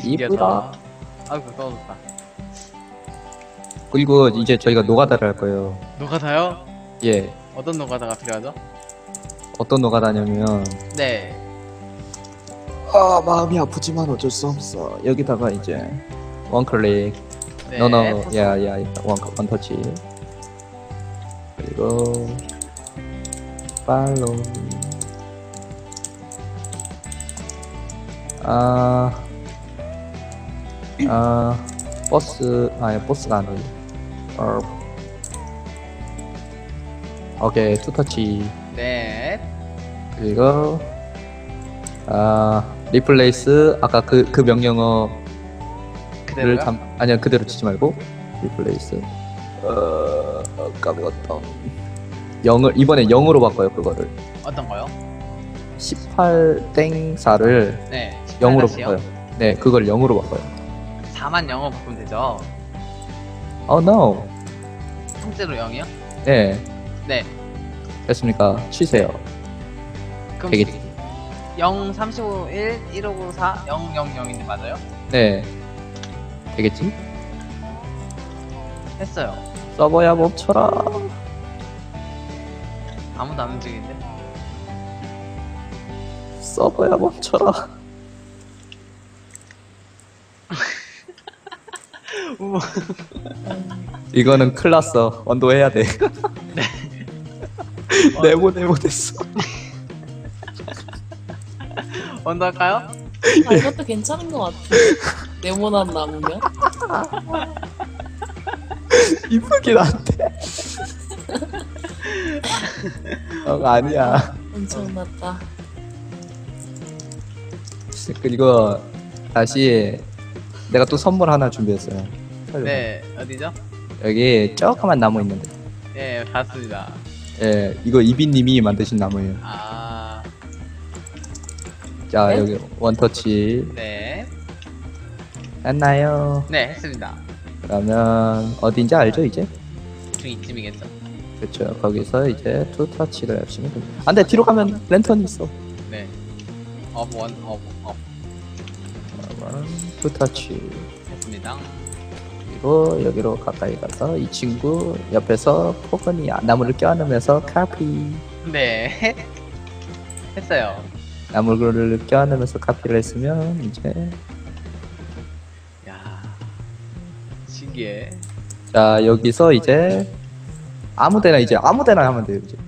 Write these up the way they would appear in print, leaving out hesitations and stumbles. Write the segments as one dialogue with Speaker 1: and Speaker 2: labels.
Speaker 1: 이쁘다.
Speaker 2: 아이고 떨어졌다.
Speaker 1: 그리고 이제 저희가 노가다를 할 거예요.
Speaker 2: 노가다요?
Speaker 1: 예.
Speaker 2: 어떤 노가다가 필요하죠?
Speaker 1: 어떤 노가다냐면
Speaker 2: 네.
Speaker 1: 아 마음이 아프지만 어쩔 수 없어. 여기다가 이제 원클릭.
Speaker 2: 네.
Speaker 1: 너너
Speaker 2: 포스.
Speaker 1: 야야 원터치. 그리고 팔로우. 버스 아니 버스가 아니고 오케이 투터치.
Speaker 2: 네.
Speaker 1: 그리고 리플레이스 아까 그 명령어를
Speaker 2: 그대로요?
Speaker 1: 아니야 그대로 치지 말고 리플레이스 까먹었다. 0을 이번에 0으로 바꿔요. 그거를
Speaker 2: 어떤 거요?
Speaker 1: 18땡4를
Speaker 2: 네.
Speaker 1: 0으로
Speaker 2: 18-0?
Speaker 1: 바꿔요. 네 그걸 0으로 바꿔요.
Speaker 2: 4만 0을 바꾸면 되죠?
Speaker 1: Oh no.
Speaker 2: 통째로 0이요?
Speaker 1: 네
Speaker 2: 네.
Speaker 1: 됐습니까? 치세요.
Speaker 2: 그럼
Speaker 1: 되겠지.
Speaker 2: 0, 35, 1, 1594, 0, 0, 0인데 맞아요?
Speaker 1: 네 되겠지?
Speaker 2: 했어요.
Speaker 1: 서버야 멈춰라.
Speaker 2: 아무도 안 움직이는데?
Speaker 1: 서버야 멈춰라.
Speaker 2: 우와.
Speaker 1: 이거는 큰일 났어. 언도해야 돼. 네모됐어.
Speaker 2: 언더 할까요?
Speaker 3: 아, 이것도 괜찮은 것 같아. 네모난 나무면?
Speaker 1: 이쁘긴 한데. 아니야.
Speaker 3: 엄청났다.
Speaker 1: 그리고 다시 내가 또 선물 하나 준비했어요.
Speaker 2: 네. 어디죠?
Speaker 1: 여기 조그만 나무 있는데.
Speaker 2: 예, 봤습니다.
Speaker 1: 예, 이거 이비님이 만드신 나무예요.
Speaker 2: 아,
Speaker 1: 자,
Speaker 3: 네?
Speaker 1: 여기 원터치
Speaker 2: 네.
Speaker 1: 했나요?
Speaker 2: 네, 했습니다.
Speaker 1: 그러면 어딘지 알죠 이제?
Speaker 2: 중 이쯤이겠죠?
Speaker 1: 그렇죠. 거기서 이제 투터치를 하시면 됩니다. 안돼 뒤로 가면 랜턴이 있어.
Speaker 2: 네. 원,
Speaker 1: 그러면 투터치.
Speaker 2: 했습니다.
Speaker 1: 그리고 여기로 가까이 가서 이 친구 옆에서 포근이 나무를 껴안으면서 카피.
Speaker 2: 네. 했어요.
Speaker 1: 나무를 껴안으면서 카피를 했으면 이제
Speaker 2: 야, 신기해.
Speaker 1: 자 여기서 이제 아무데나 하면 돼요 이제.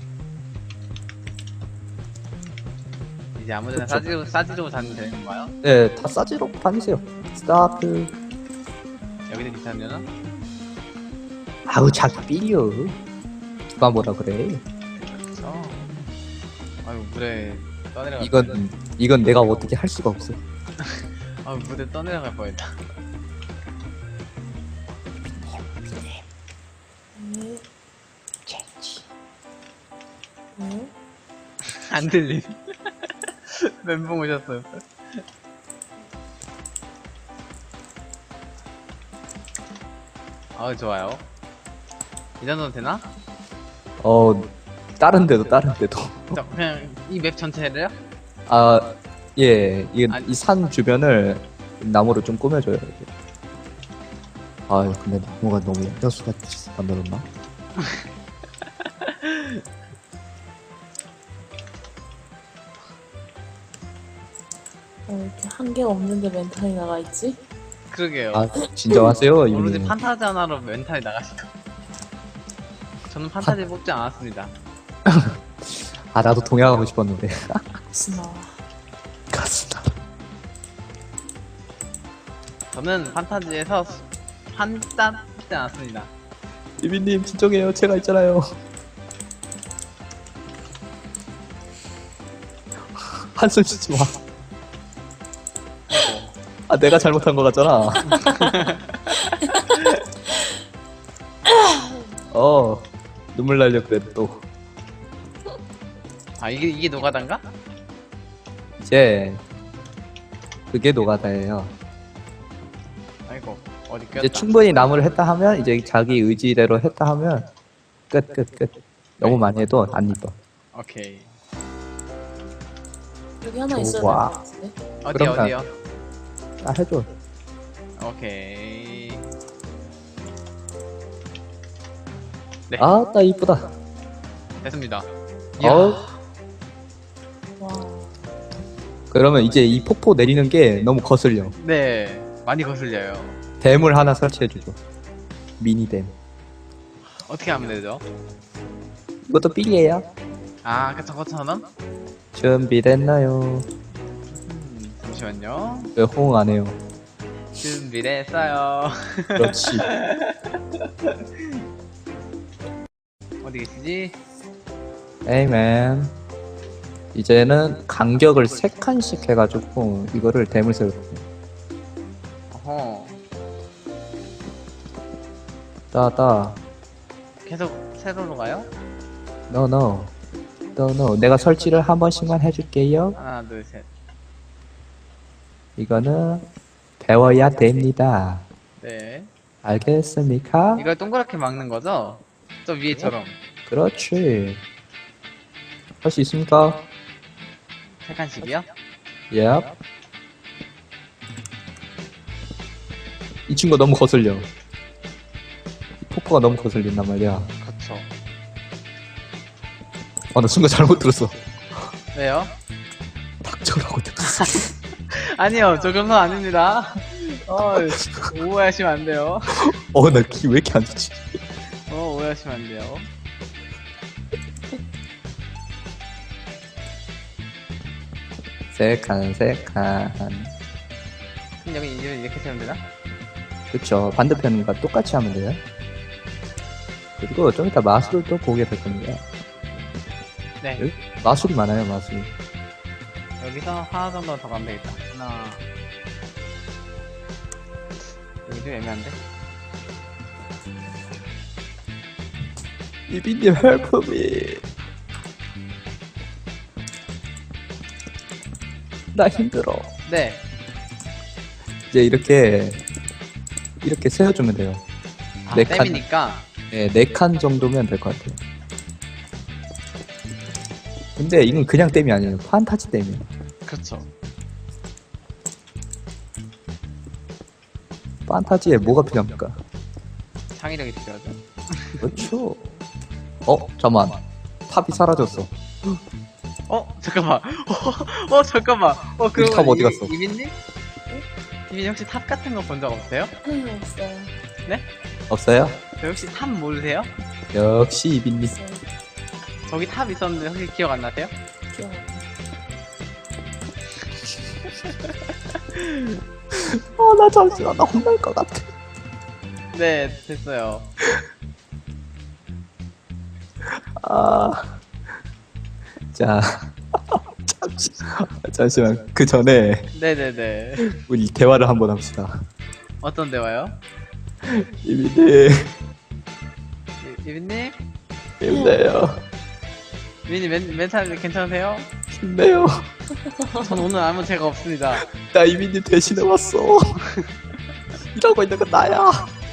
Speaker 2: 이제 아무데나
Speaker 1: 그쵸.
Speaker 2: 싸지로 다니면 되는 건가요?
Speaker 1: 네, 다 싸지로 다니세요. 스타트.
Speaker 2: 여기는 괜찮으려나?
Speaker 1: 아우 자기 삐려. 누가 뭐라 그래?
Speaker 2: 그쵸. 아유, 물에 떠내려갈
Speaker 1: 이건 내가 어떻게 할 수가 없어.
Speaker 2: 아유, 물에 떠내려갈 뻔했다.
Speaker 3: 네. 네.
Speaker 2: 안 들림. 멘붕 오셨어요. 아우, 좋아요. 이 정도는 되나?
Speaker 1: 다른 데도.
Speaker 2: 자, 그냥 이 맵 전체를요?
Speaker 1: 아, 예,
Speaker 2: 아니.
Speaker 1: 이 산 주변을 나무로 좀 꾸며줘요. 이렇게. 아, 근데 나무가 너무 약수가 만들었나?
Speaker 3: 이렇게 한 개가 없는데 멘탈이 나가 있지?
Speaker 2: 그러게요.
Speaker 1: 아, 진정하세요,
Speaker 2: 오로지
Speaker 1: 이분님.
Speaker 2: 판타지 하나로 멘탈이 나가시고. 저는 판타지 뽑지 않았습니다.
Speaker 1: 아, 나도 동양하고 싶었는데.
Speaker 3: 스나와.
Speaker 1: 가스나.
Speaker 2: 저는 판타지에서 판따 뽑지 않았습니다.
Speaker 1: 이비님, 진정해요. 제가 있잖아요. 한숨 쉬지 마. 아, 내가 잘못한 거 같잖아. 눈물 날려 그래 또.
Speaker 2: 아, 이게 노가다인가?
Speaker 1: 이제 그게 노가다예요.
Speaker 2: 아이고, 어디 꼈다.
Speaker 1: 이제 충분히 나무를 했다 하면 이제 자기 의지대로 했다 하면 끝. 너무 많이 해도 안 이뻐.
Speaker 2: 오케이.
Speaker 3: 여기 하나 있어야
Speaker 1: 좋아.
Speaker 3: 될것 같은데?
Speaker 2: 어디,
Speaker 1: 그럼
Speaker 2: 어디요?
Speaker 1: 아, 해줘.
Speaker 2: 오케이. 네.
Speaker 1: 아따, 이쁘다.
Speaker 2: 됐습니다.
Speaker 1: 어?
Speaker 3: 와.
Speaker 1: 그러면 이제 이 폭포 내리는 게 너무 거슬려.
Speaker 2: 네. 많이 거슬려요.
Speaker 1: 댐을 하나 설치해주죠. 미니댐.
Speaker 2: 어떻게 하면 되죠?
Speaker 1: 이것도 삘이에요.
Speaker 2: 아, 그쵸, 5,000원?
Speaker 1: 준비됐나요?
Speaker 2: 잠시만요.
Speaker 1: 왜 호응 안 해요?
Speaker 2: 준비됐어요.
Speaker 1: 그렇지.
Speaker 2: 어디 계시지?
Speaker 1: 에이맨. 이제는 간격을 3칸씩 해가지고 이거를 댐을 세울 거예요.
Speaker 2: 어허.
Speaker 1: 따따.
Speaker 2: 계속 세로로 가요?
Speaker 1: No. 내가 설치를 한 번씩만 해줄게요.
Speaker 2: 하나, 둘, 셋.
Speaker 1: 이거는 배워야 됩니다.
Speaker 2: 네.
Speaker 1: 알겠습니까?
Speaker 2: 이걸 동그랗게 막는 거죠? 저 위에처럼.
Speaker 1: 그렇지. 할 수 있습니까?
Speaker 2: 세 칸씩이요?
Speaker 1: 예. 이 친구가 너무 거슬려. 이 폭포가 너무 거슬린단 말이야.
Speaker 2: 그쵸.
Speaker 1: 나 순간 잘못 들었어.
Speaker 2: 왜요?
Speaker 1: 닥쳐라고 들었어.
Speaker 2: 아니요, 저 그런 건 아닙니다. 오해하시면 안 돼요.
Speaker 1: 나 키 왜 이렇게 안 좋지?
Speaker 2: 오해하시면 안 돼요.
Speaker 1: 세 칸.
Speaker 2: 그럼 여기 이렇게 세우면 되나?
Speaker 1: 그쵸. 반대편과 똑같이 하면 돼요. 그리고 좀 이따 마술을 또 보게 될 겁니다.
Speaker 2: 네.
Speaker 1: 여기 마술이 많아요, 마술.
Speaker 2: 여기서 하나 정도 더 가면 되겠다. 하나. 여기 좀 애매한데?
Speaker 1: 이비님 help me. 나 힘들어.
Speaker 2: 네.
Speaker 1: 이제 이렇게 세워주면 돼요.
Speaker 2: 아,
Speaker 1: 네 칸.
Speaker 2: 댐이니까.
Speaker 1: 네, 4칸 정도면 될 것 같아요. 근데 이건 그냥 댐이 아니에요. 판타지 댐이에요.
Speaker 2: 그렇죠.
Speaker 1: 판타지에 뭐가 필요합니까?
Speaker 2: 창의력이 필요하죠.
Speaker 1: 그렇죠. 잠깐만. 탑이 사라졌어.
Speaker 2: 잠깐만. 잠깐만. 그럼
Speaker 1: 탑 어디 갔어?
Speaker 2: 이민님? 이민님 혹시 탑 같은 거 본 적 없어요?
Speaker 3: 없어요.
Speaker 1: 없어요?
Speaker 2: 저 혹시 탑 모르세요?
Speaker 1: 역시 이비님.
Speaker 3: 없어요.
Speaker 2: 저기 탑 있었는데 혹시 기억 안 나세요?
Speaker 3: 기억 안 나.
Speaker 1: 나 잠시만. 나 혼날 것 같아.
Speaker 2: 네, 됐어요.
Speaker 1: 자. 잠시만. 그 전에
Speaker 2: 네네네.
Speaker 1: 우리 대화를 한번 합시다.
Speaker 2: 어떤 대화요?
Speaker 1: 이비님.
Speaker 2: 이민님?
Speaker 1: 힘내요.
Speaker 2: 이민님 멘탈 괜찮으세요?
Speaker 1: 힘내요.
Speaker 2: 전 오늘 아무 죄가 없습니다.
Speaker 1: 나 이비님 대신해 왔어. 이러고 있는 건 나야.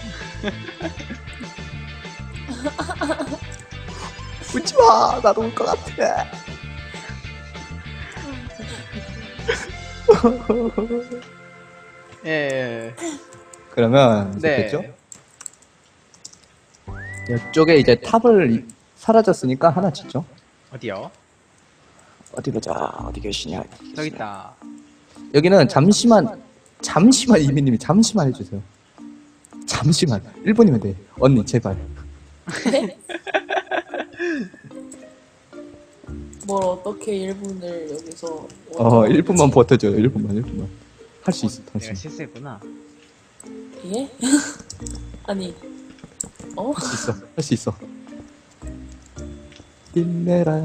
Speaker 1: 웃지 마. 나도 울 것 같아.
Speaker 2: 예.
Speaker 1: 그러면
Speaker 2: 네.
Speaker 1: 됐죠? 이쪽에 이제 탑을 사라졌으니까 하나 짓죠.
Speaker 2: 어디요?
Speaker 1: 어디 보자. 어디 계시냐?
Speaker 2: 저기 있다.
Speaker 1: 여기는 잠시만 이미님이 잠시만 해주세요. 잠시만 1분이면 돼. 언니 제발.
Speaker 3: 뭘 어떻게 1분을 여기서
Speaker 1: 1분만 버텨줘요. 1분만. 할 수 있어.
Speaker 2: 내가
Speaker 1: 당신.
Speaker 2: 실수했구나.
Speaker 3: 예? 아니
Speaker 1: 할 수 있어. 힘내라.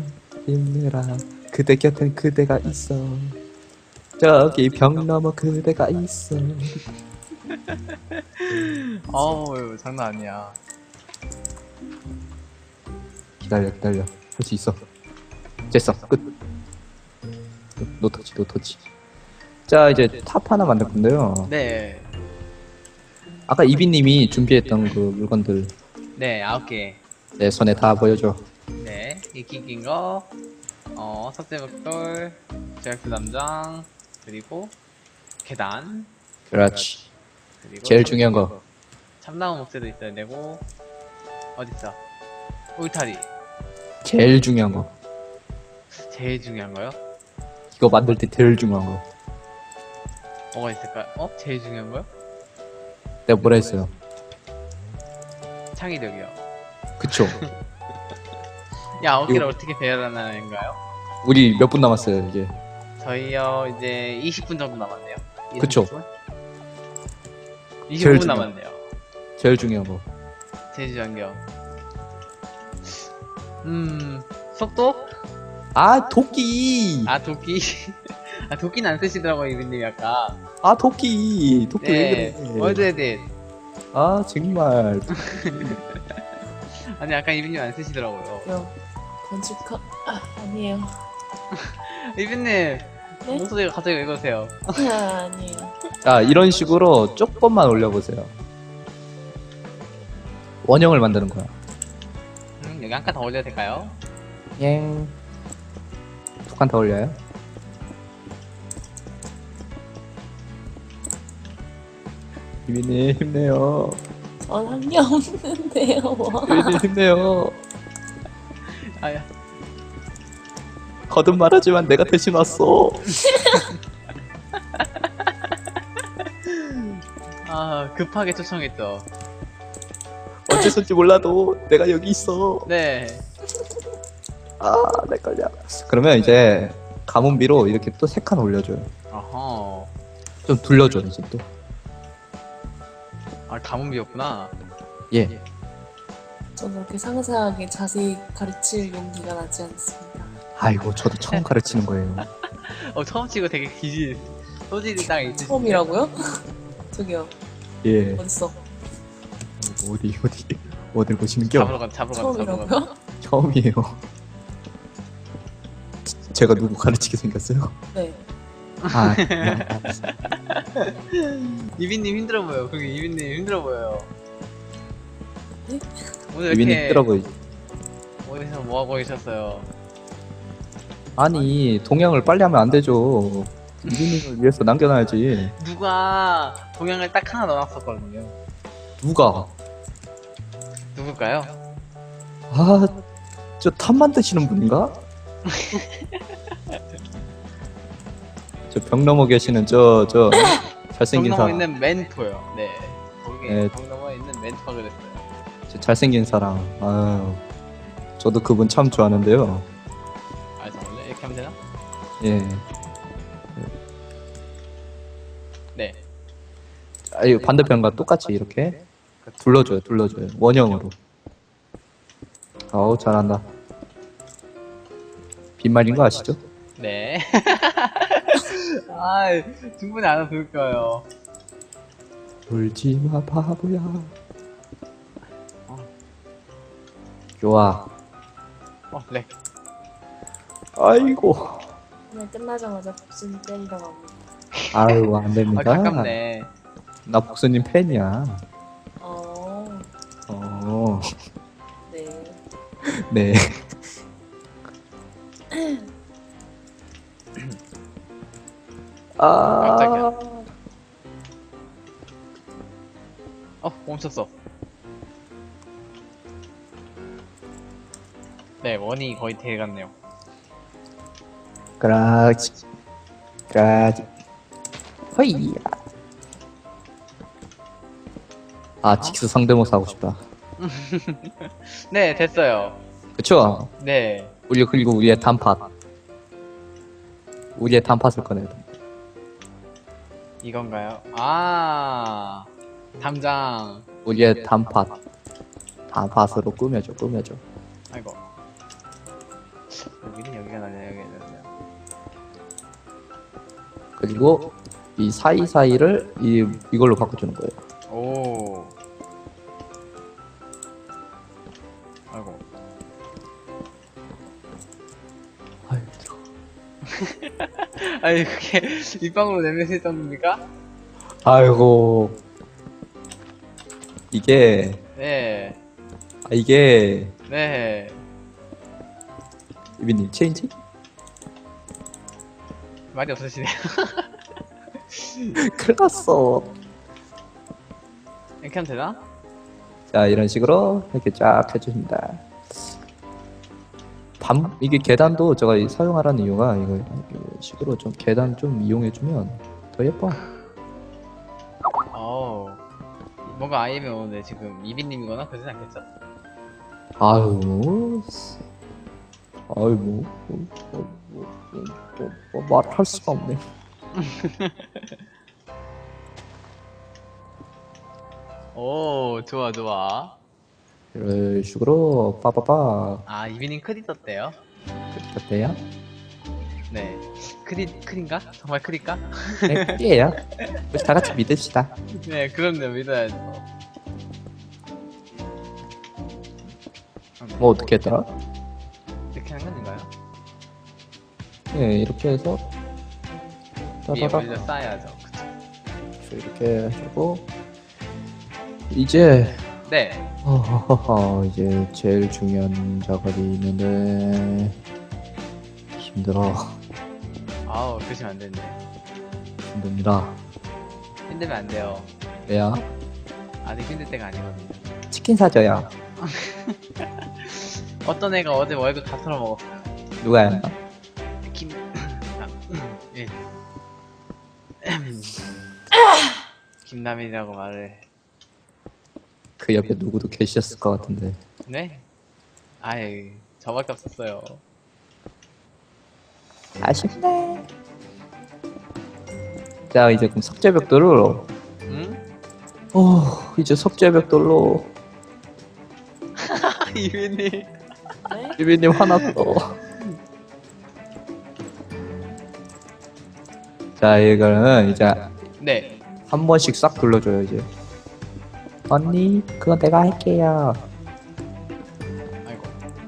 Speaker 1: 그대 곁엔 그대가 있어. 저기 벽 너머 그대가 있어.
Speaker 2: 장난 아니야.
Speaker 1: 기다려. 할 수 있어. 됐어. 끝. 노터치. 자, 이제 탑 하나 만들 건데요.
Speaker 2: 네.
Speaker 1: 아까 이비님이 준비했던 그 물건들
Speaker 2: 네, 9개.
Speaker 1: 내 손에 다 보여줘.
Speaker 2: 네, 익히 낀 거, 석쇠벽돌, 제약수 담장, 그리고 계단.
Speaker 1: 그렇지.
Speaker 2: 그리고
Speaker 1: 제일 중요한 거.
Speaker 2: 참나무 목재도 있어야 되고. 어딨어? 울타리.
Speaker 1: 제일 중요한 거.
Speaker 2: 제일 중요한 거요?
Speaker 1: 이거 만들 때 제일 중요한 거.
Speaker 2: 뭐가 있을까요? 어? 제일 중요한 거요?
Speaker 1: 내가 뭐라 했어요?
Speaker 2: 창의력이요.
Speaker 1: 그쵸.
Speaker 2: 야, 9개를 어떻게 배열하나인가요?
Speaker 1: 우리 몇 분 남았어요, 이제.
Speaker 2: 저희요, 이제 20분 정도 남았네요.
Speaker 1: 그쵸.
Speaker 2: 25분
Speaker 1: 제일 중요한
Speaker 2: 남았네요.
Speaker 1: 제일 중요한 거.
Speaker 2: 제일 중요한 겨. 속도?
Speaker 1: 아, 도끼!
Speaker 2: 아, 도끼. 아, 도끼는 안 쓰시더라고요, 이빈님 아까.
Speaker 1: 아, 도끼! 도끼 왜
Speaker 2: 네.
Speaker 1: 그래?
Speaker 2: 월드 에딧.
Speaker 1: 아, 정말.
Speaker 2: 아니, 아까 이빈님 안 쓰시더라고요.
Speaker 3: 요 건축하 아니에요.
Speaker 2: 이빈님,
Speaker 3: 네?
Speaker 2: 목소리가 갑자기 왜 그러세요?
Speaker 3: 아니에요.
Speaker 1: 자, 이런 식으로 조금만 올려보세요. 원형을 만드는 거야.
Speaker 2: 여기 한 칸 더 올려도 될까요?
Speaker 1: 엥. 두 칸 더 올려요? 유빈님, 힘내요.
Speaker 3: 전 한 게 없는데요. 와.
Speaker 1: 유빈님, 힘내요.
Speaker 2: 아야.
Speaker 1: 거듭 말하지만 내가 대신 왔어.
Speaker 2: 아, 급하게 초청했죠.
Speaker 1: 어째서인지 몰라도 내가 여기 있어.
Speaker 2: 네.
Speaker 1: 아, 내 걸려. 그러면 이제 가문비로 이렇게 또 세 칸 올려줘요.
Speaker 2: 어허.
Speaker 1: 좀 둘러줘 이제 또.
Speaker 2: 아, 가문비였구나.
Speaker 1: 예.
Speaker 3: 저는 그렇게 상세하게 자세히 가르칠 용기가 나지 않습니다.
Speaker 1: 아이고 저도 처음 가르치는 거예요.
Speaker 2: 처음 치고 되게 소질이 딱 있으시네요.
Speaker 3: 처음이라고요? 저기요,
Speaker 1: 예.
Speaker 3: 어딨어?
Speaker 1: 어딜 보시는
Speaker 2: 잡으러
Speaker 1: 겨?
Speaker 2: 가, 잡으러 가.
Speaker 3: 처음이라고요?
Speaker 1: 처음이에요. 제가 누구 가르치게 생겼어요?
Speaker 3: 네.
Speaker 1: 아,
Speaker 2: 이빈님 힘들어 보여. 거기 이빈님 힘들어 보여요.
Speaker 3: 네?
Speaker 2: 오늘
Speaker 1: 유빈이
Speaker 2: 이렇게
Speaker 1: 힘들어 보이지.
Speaker 2: 어디서 뭐 하고 계셨어요?
Speaker 1: 아니 동양을 빨리 하면 안 되죠. 유빈님을 위해서 남겨놔야지.
Speaker 2: 누가 동양을 딱 하나 넣어놨었거든요.
Speaker 1: 누가?
Speaker 2: 누굴까요?
Speaker 1: 아, 저 탑 만드시는 분인가? 저 벽 넘어 계시는 저
Speaker 2: 정
Speaker 1: 잘생긴
Speaker 2: 넘어
Speaker 1: 사람.
Speaker 2: 있는 멘토요. 네. 거기
Speaker 1: 네.
Speaker 2: 정 넘어 있는 멘토가 그랬어요.
Speaker 1: 저 잘생긴 사람. 아유, 저도 그분 참 좋아하는데요.
Speaker 2: 아, 잠깐만요. 이렇게 하면 되나?
Speaker 1: 예.
Speaker 2: 네.
Speaker 1: 아유, 반대편과 똑같이 이렇게 둘러줘요. 원형으로. 어우, 잘한다. 빈말인 거 아시죠?
Speaker 2: 네. 아, 충분히 알아볼 거예요.
Speaker 1: 울지마 바보야. 좋아.
Speaker 2: 네.
Speaker 1: 아이고.
Speaker 3: 오늘 끝나자마자 복순이 때리러 갑니다.
Speaker 1: 아유, 안
Speaker 2: 아,
Speaker 1: 됩니다.
Speaker 2: 가깝네.
Speaker 1: 나 복수님 팬이야. 어,
Speaker 3: 네.
Speaker 1: 네. 아,
Speaker 2: 깜짝이야. 멈췄어. 네, 원이 거의 돼갔네요.
Speaker 1: 그라지. 허이야. 아, 직스 상대모사 하고 싶다.
Speaker 2: 네, 됐어요.
Speaker 1: 그쵸?
Speaker 2: 네.
Speaker 1: 그리고 우리의 단팥. 우리의 단팥을 꺼내야 돼.
Speaker 2: 이건가요? 아, 담장.
Speaker 1: 우리의 단팥. 단팥으로 꾸며줘.
Speaker 2: 아이고. 여기는 여기가 나냐, 여기가 나냐.
Speaker 1: 그리고 이 사이사이를 이걸로 바꿔주는 거예요.
Speaker 2: 오. 아이고.
Speaker 1: 아유, 들어.
Speaker 2: 아니, 그게 입방으로 내면실 정도입니까?
Speaker 1: 아이고. 이게
Speaker 2: 네. 네.
Speaker 1: 이비님 체인지?
Speaker 2: 말이 없으시네요.
Speaker 1: 큰일 났어.
Speaker 2: 이렇게 하면 되나?
Speaker 1: 자, 이런 식으로 이렇게 쫙 해줍니다. 이게 계단도 제가 사용하라는 이유가 이런 식으로 좀 계단 좀 이용해주면 더 예뻐.
Speaker 2: 어우. 뭔가 아이엠이 오는데 지금 이비님이거나 그러진 않겠죠?
Speaker 1: 아유, 말할 수가 없네.
Speaker 2: 오, 좋아, 좋아.
Speaker 1: 이런 식으로 빠바바
Speaker 2: 아, 이비님 크리 떴대요?
Speaker 1: 어때요?
Speaker 2: 네. 크린가? 정말 크릴까?
Speaker 1: 네, 크리에요. 우리 다 같이 믿읍시다.
Speaker 2: 네, 그럼요, 믿어야죠.
Speaker 1: 뭐 어떻게 했더라?
Speaker 2: 이렇게 하는 건가요?
Speaker 1: 네, 이렇게 해서
Speaker 2: 위에
Speaker 1: 따다닥
Speaker 2: 먼저 쌓아야죠. 그쵸?
Speaker 1: 이렇게 해주고 이제
Speaker 2: 네.
Speaker 1: 이제 제일 중요한 작업이 있는데 힘들어.
Speaker 2: 아우, 그러시면 안 되는데.
Speaker 1: 힘듭니다.
Speaker 2: 힘들면 안 돼요.
Speaker 1: 왜야?
Speaker 2: 아직 힘들 때가 아니거든요.
Speaker 1: 치킨 사줘요.
Speaker 2: 어떤 애가 어제 월급 다 털어먹었어요.
Speaker 1: 누가요?
Speaker 2: 김, 아, 예. 김남일이라고 말을.
Speaker 1: 그 옆에 누구도 계셨을 것 같은데.
Speaker 2: 네? 아이, 저밖에 없었어요.
Speaker 1: 아쉽네. 자, 이제 그럼 석재벽돌로.
Speaker 2: 응?
Speaker 1: 이제 석재벽돌로.
Speaker 2: 이민님.
Speaker 3: 네?
Speaker 1: 유비님 화났어. 자, 이거는 이제
Speaker 2: 네.
Speaker 1: 한 번씩 싹 둘러줘요 이제. 언니, 그건 내가 할게요.
Speaker 2: 아이고.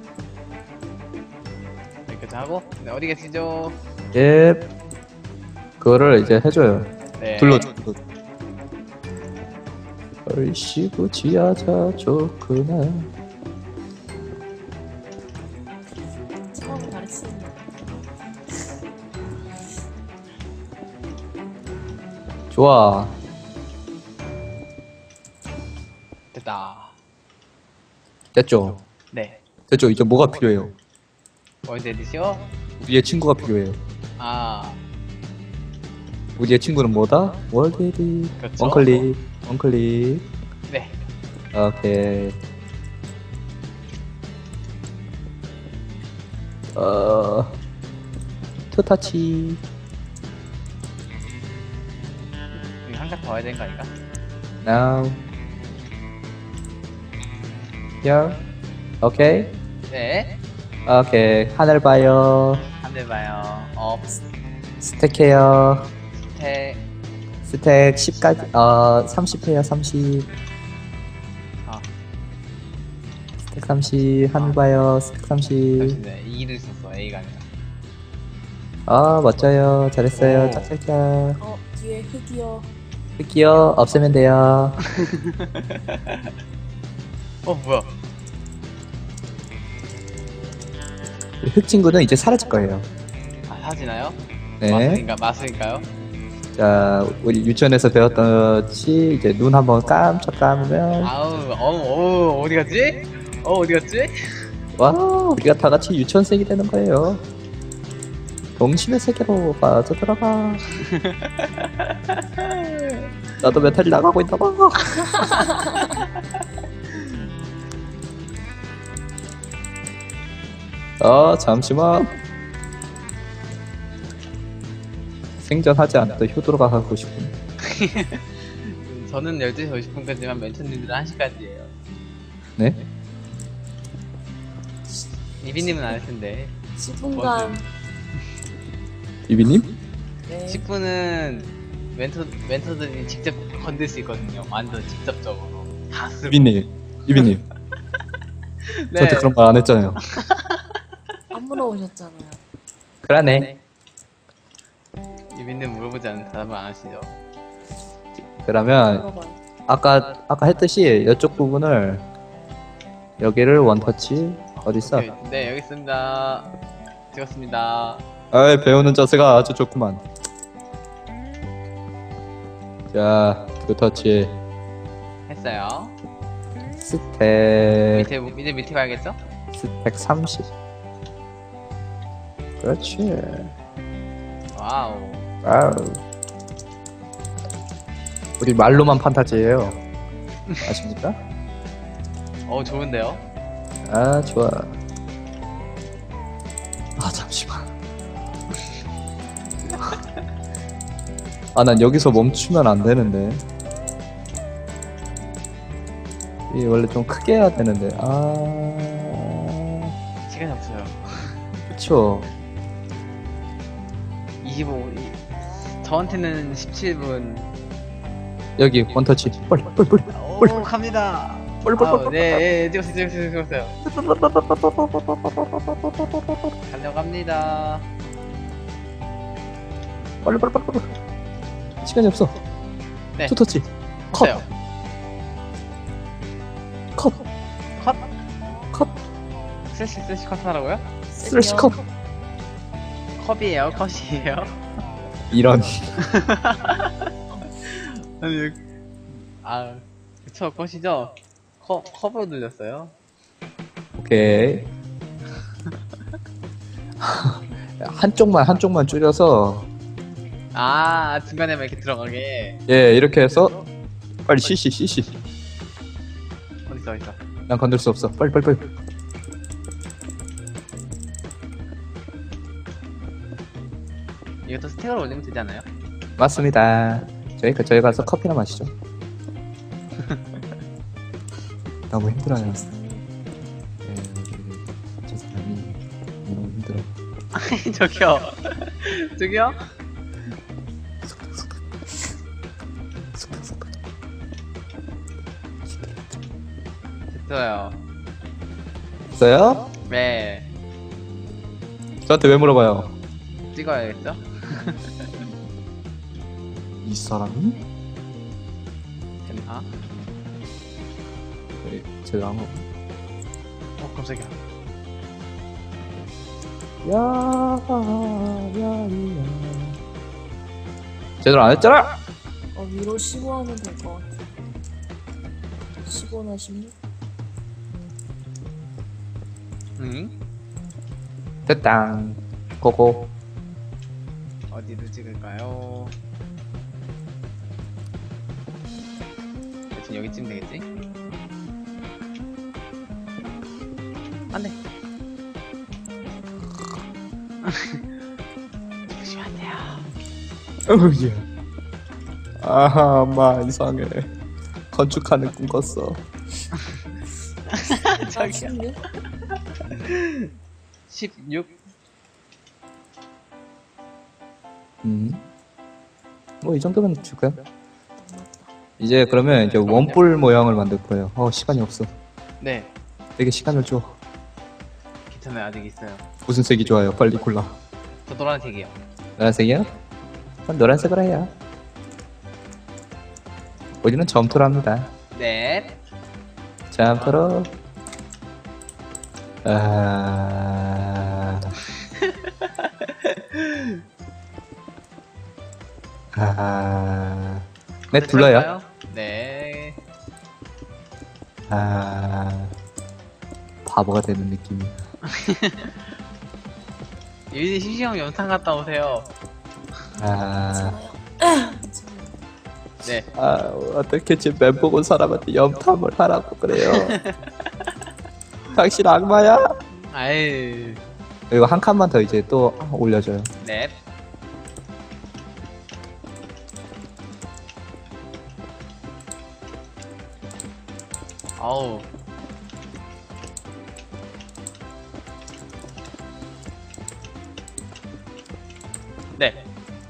Speaker 2: 여기까지 하고. 네, 어디 계시죠?
Speaker 1: 예. 그거를 이제 해줘요.
Speaker 2: 네.
Speaker 1: 둘러줘. 얼씨구 지하자 좋구나.
Speaker 3: 처음 가르치는
Speaker 1: 좋아.
Speaker 2: 됐다.
Speaker 1: 됐죠?
Speaker 2: 네.
Speaker 1: 됐죠? 이제 뭐가 필요해요?
Speaker 2: 월드 에디션?
Speaker 1: 우리의 친구가 필요해요.
Speaker 2: 아,
Speaker 1: 우리의 친구는 뭐다? 월드에디.
Speaker 2: 그렇죠.
Speaker 1: 원클릭. 원클릭.
Speaker 2: 네.
Speaker 1: 오케이. 투타치.
Speaker 2: 여기 한 칸 더 와야 되는 거 아닌가?
Speaker 1: Now. Here. 오케이.
Speaker 2: 네.
Speaker 1: 오케이. 하늘 봐요.
Speaker 2: 한 대 봐요. 업,
Speaker 1: 스택해요.
Speaker 2: 스택.
Speaker 1: 스택 10까지 30해요. 30.
Speaker 2: 아,
Speaker 1: 스택 30. 하늘 봐요. 스택 30.
Speaker 2: 잠시만요. E를 썼어. A가 아니라.
Speaker 1: 멋져요. 잘했어요.
Speaker 2: 오.
Speaker 1: 짝짝짝.
Speaker 3: 뒤에 흙이요.
Speaker 1: 흑기요. 없애면 돼요.
Speaker 2: 뭐야?
Speaker 1: 흑 친구는 이제 사라질 거예요.
Speaker 2: 아, 사지나요?
Speaker 1: 네.
Speaker 2: 마술인가요?
Speaker 1: 자, 우리 유치원에서 배웠듯이 이제 눈 한번 깜짝 감으면
Speaker 2: 아우, 어디 갔지? 어디 갔지?
Speaker 1: 와, 우리가 다 같이 유치원생이 되는 거예요. 동심의 세계로 빠져들어가. 나도 멘탈이 나가고 있나 봐. 잠시만. 생전하지 않던 효도로가 하고 싶군.
Speaker 2: 저는 12시 50분까지만 멘토님들은 1시까지예요.
Speaker 1: 네?
Speaker 2: 이비님은 안 할 텐데.
Speaker 3: 10분간
Speaker 1: 비비님?
Speaker 3: 네.
Speaker 2: 10분은 멘토들이 직접 건들 수 있거든요. 완전 직접적으로. 다 쓰고.
Speaker 1: 비비님. 비비님.
Speaker 2: 네.
Speaker 1: 저한테 그런 말 안 했잖아요.
Speaker 3: 안 물어보셨잖아요.
Speaker 1: 그러네.
Speaker 2: 이비님 물어보지 않는 대답을 안 하시죠.
Speaker 1: 그러면
Speaker 3: 물어봐요.
Speaker 1: 아까 했듯이 이쪽 부분을 여기를 원터치 어딨어?
Speaker 2: 오케이. 네, 여기 있습니다. 찍었습니다.
Speaker 1: 아이, 배우는 자세가 아주 좋구만. 자, 투터치.
Speaker 2: 했어요.
Speaker 1: 스택.
Speaker 2: 이제 밑에 가야겠죠?
Speaker 1: 스택 30. 그렇지.
Speaker 2: 와우.
Speaker 1: 와우. 우리 말로만 판타지예요. 아십니까?
Speaker 2: 좋은데요?
Speaker 1: 아, 좋아. 아, 잠시만. 아, 난 여기서 멈추면 안 되는데. 이 원래 좀 크게 해야 되는데. 아,
Speaker 2: 시간이 없어요.
Speaker 1: 그쵸.
Speaker 2: 저한테는 17분.
Speaker 1: 여기 원터치. 빨리.
Speaker 2: 오, 갑니다. 네, 찍었어요. 달려갑니다.
Speaker 1: 빨리. 시간이 없어.
Speaker 2: 네.
Speaker 1: 투터치. 컷.
Speaker 2: 했어요.
Speaker 1: 컷.
Speaker 2: 컷? 슬래시 컷 하라고요?
Speaker 1: 슬래시 컷.
Speaker 2: 컵이에요, 컷이에요?
Speaker 1: 이런.
Speaker 2: 아니, 그쵸, 컷이죠? 컵으로 늘렸어요.
Speaker 1: 오케이. 한쪽만 줄여서
Speaker 2: 중간에만 이렇게 들어가게.
Speaker 1: 예, 이렇게 해서 빨리 CC.
Speaker 2: 어딨어.
Speaker 1: 난 건들 수 없어. 빨리.
Speaker 2: 이것도 스택을 올리면 되지 않아요?
Speaker 1: 맞습니다. 저희 가서 커피나 마시죠. 너무 힘들어요. 예, 저 사람이 너무 힘들어.
Speaker 2: 저기요? 됐어요.
Speaker 1: 있어요?
Speaker 2: 네.
Speaker 1: 저한테 왜 물어봐요?
Speaker 2: 찍어야겠죠?
Speaker 1: 이 사람이?
Speaker 2: 됐나?
Speaker 1: 제대로 한 거.
Speaker 2: 깜짝이야.
Speaker 1: 야. 제대로 안 했잖아.
Speaker 3: 위로 15 하면 될 것 같아. 15나 16?
Speaker 2: 응?
Speaker 1: 됐다. 고고.
Speaker 2: 어디로 찍을까요? 대충 여기쯤 되겠지? 안돼. 조심히 안 돼요.
Speaker 1: 예. 아하, 엄마 이상해. 건축하는 꿈 꿨어.
Speaker 2: 저기요.
Speaker 3: 16?
Speaker 2: 16?
Speaker 1: 뭐 이 정도면 줄까요? 이제 그러면 이제 원뿔 모양을 만들 거예요. 시간이 없어.
Speaker 2: 네,
Speaker 1: 되게 시간을 줘.
Speaker 2: 괜찮아요. 아직 있어요.
Speaker 1: 무슨 색이 좋아요? 빨리 골라.
Speaker 2: 저 노란색이요.
Speaker 1: 노란색이요? 그럼 노란색으로 해요. 우리는 점토로 합니다.
Speaker 2: 네.
Speaker 1: 점토로. 아... 네, 둘러요.
Speaker 2: 네.
Speaker 1: 바보가 되는 느낌이.
Speaker 2: 유진이 심심하면 연탄 갔다 오세요.
Speaker 3: 괜찮아요.
Speaker 2: 네.
Speaker 1: 어떻게 제 멘붕 온 사람한테 염탐을 하라고 그래요. 당신 악마야?
Speaker 2: 아이.
Speaker 1: 그리고 한 칸만 더 이제 또 올려줘요.
Speaker 2: 네. 아우. 네.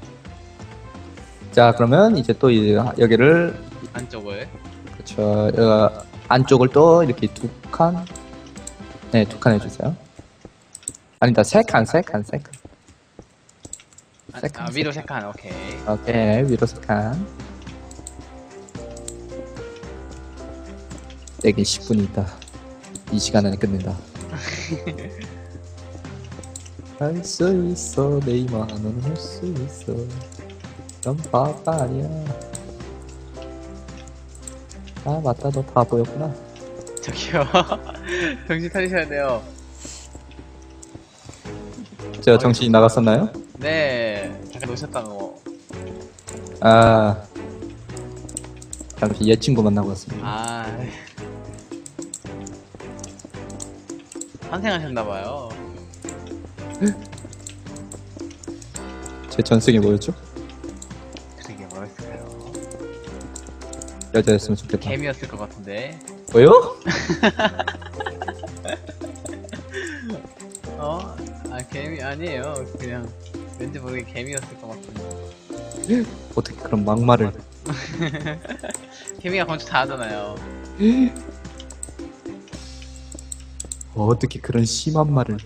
Speaker 1: 자, 그러면 이제 또 여기를,
Speaker 2: 안쪽을.
Speaker 1: 그쵸, 안쪽을 또 이렇게 두 칸? 네, 두 칸 해주세요. 아니다, 세 칸.
Speaker 2: 위로 세 칸. 오케이.
Speaker 1: 오케이, 위로 세 칸. 내게 10분이 있다. 이 시간 안에 끝낸다. 할 수 있어, 내 이만은 할 수 있어. 넌 바보 아니야. 아 맞다, 너 다 보였구나.
Speaker 2: 저기요. 정신 차리셔야 돼요.
Speaker 1: 제가 정신이 나갔었나요?
Speaker 2: 네, 잠깐 놓으셨다고.
Speaker 1: 아 잠시 옛 친구 만나고 왔습니다.
Speaker 2: 아, 환생하셨나봐요.
Speaker 1: 제 전승이 뭐였죠?
Speaker 2: 그러게 뭐였을까요?
Speaker 1: 여자였으면 좋겠다.
Speaker 2: 개미였을 것 같은데.
Speaker 1: 뭐요?
Speaker 2: 어? 아, 개미 아니에요. 그냥 왠지 모르게 개미였을 것 같은데.
Speaker 1: 어떻게 그런 막말을?
Speaker 2: 개미가 건축 다 하잖아요.
Speaker 1: 어떻게 그런 심한 말을?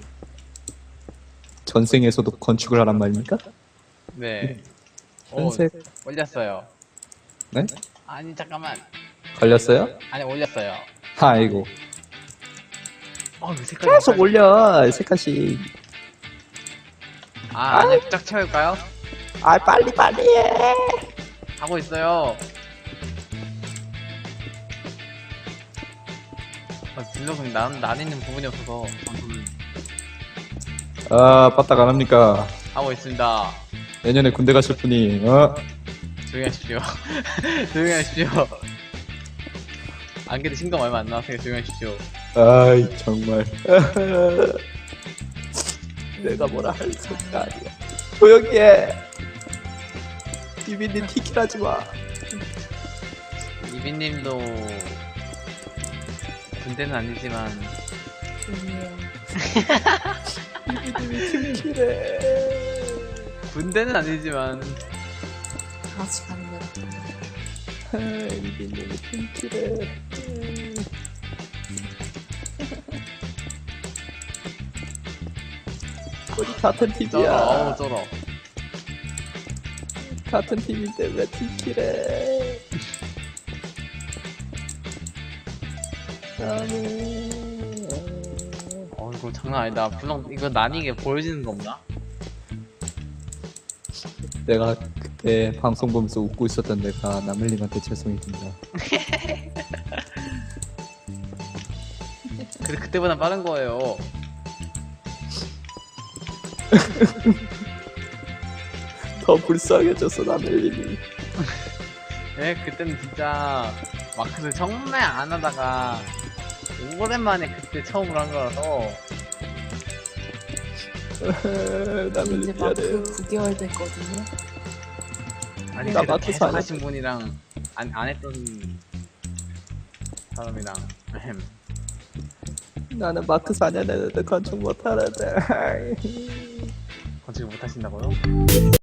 Speaker 1: 전생에서도 건축을 하란 말입니까?
Speaker 2: 네. 오,
Speaker 1: 전생
Speaker 2: 올렸어요.
Speaker 1: 네?
Speaker 2: 아니, 잠깐만.
Speaker 1: 걸렸어요?
Speaker 2: 아니, 올렸어요.
Speaker 1: 아이고
Speaker 2: 이 색깔.
Speaker 1: 계속 올려 색깔씩.
Speaker 2: 아, 안에 쫙 채울까요?
Speaker 1: 아 빨리 해.
Speaker 2: 하고 있어요. 블록은 난 있는 부분이 없어서 방송을
Speaker 1: 아 빠딱 안 합니까?
Speaker 2: 하고 있습니다.
Speaker 1: 내년에 군대 가실 분이
Speaker 2: 조용히 하십시오. 조용히 하십시오. 안 그래도 신검 얼마 안 나왔으니까 조용히 하십시오.
Speaker 1: 아이 정말 내가 뭐라 할 수가 아니야. 조용히 해. 비비님 티킬하지 마.
Speaker 2: 이비님도 군대는 아니지만
Speaker 3: 아니에요.
Speaker 1: 비비님이 티킬해.
Speaker 2: 군대는 아니지만
Speaker 3: 다 같이 가는 거야.
Speaker 1: 비비님이 티킬해. 우리 같은
Speaker 2: 쩔어.
Speaker 1: 팀이야.
Speaker 2: 어우 쩔어.
Speaker 1: 같은 팀인데 왜 티킬해?
Speaker 2: 이거 장난 아니다. 블록 이거 나뉘게 보여지는 거 없나?
Speaker 1: 내가 그때 방송 보면서 웃고 있었던 내가 남일님한테 죄송이 듭니다.
Speaker 2: 근데 그때보다 빠른 거예요.
Speaker 1: 더 불쌍해졌어 남일님이.
Speaker 2: 네, 그때는 진짜 마크를 정말 안 하다가 오랜만에 그때 처음으로 한 거라서
Speaker 1: 남일님
Speaker 3: 이제
Speaker 1: 미안해요.
Speaker 3: 마크 9개월 됐거든요.
Speaker 2: 아니
Speaker 1: 나
Speaker 2: 그때
Speaker 1: 마크
Speaker 2: 계속
Speaker 1: 사냐?
Speaker 2: 하신 분이랑 안 했던 사람이랑
Speaker 1: 나는 마크 4년 했는데 건축 못하는데.
Speaker 2: 건축을 못 하신다고요?